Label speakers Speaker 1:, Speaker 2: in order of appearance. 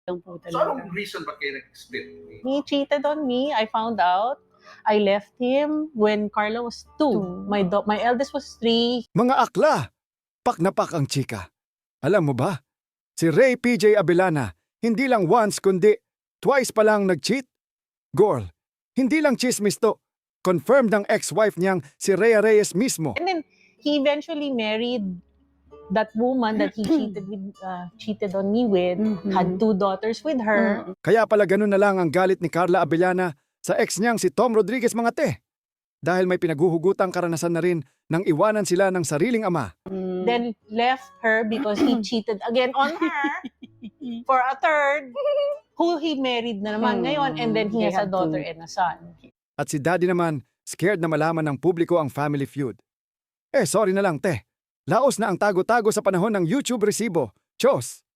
Speaker 1: lang po
Speaker 2: So anong
Speaker 1: talaga.
Speaker 2: reason ba't kayo nag-split?
Speaker 1: He cheated on me, I found out. I left him when Carla was 2. My eldest was 3.
Speaker 3: Mga akla, pak na pak ang chika. Alam mo ba, si Ray PJ Abellana, hindi lang once kundi twice pa lang nag-cheat. Girl, hindi lang chismis to. Confirmed ng ex-wife niyang si Rhea Reyes mismo.
Speaker 1: And then he eventually married that woman that he cheated on me with, had 2 daughters with her.
Speaker 3: Kaya pala ganun na lang ang galit ni Carla Abellana sa ex niyang si Tom Rodriguez mga te. Dahil may pinaguhugutang karanasan na rin nang iwanan sila ng sariling ama.
Speaker 1: Then left her because he cheated again on her for a third who he married na naman ngayon, and then he
Speaker 4: They
Speaker 1: has a
Speaker 4: had
Speaker 1: daughter
Speaker 4: 2.
Speaker 1: and a son.
Speaker 3: At si daddy naman, scared na malaman ng publiko ang family feud. Sorry na lang te. Laos na ang tago-tago sa panahon ng YouTube resibo. Chos!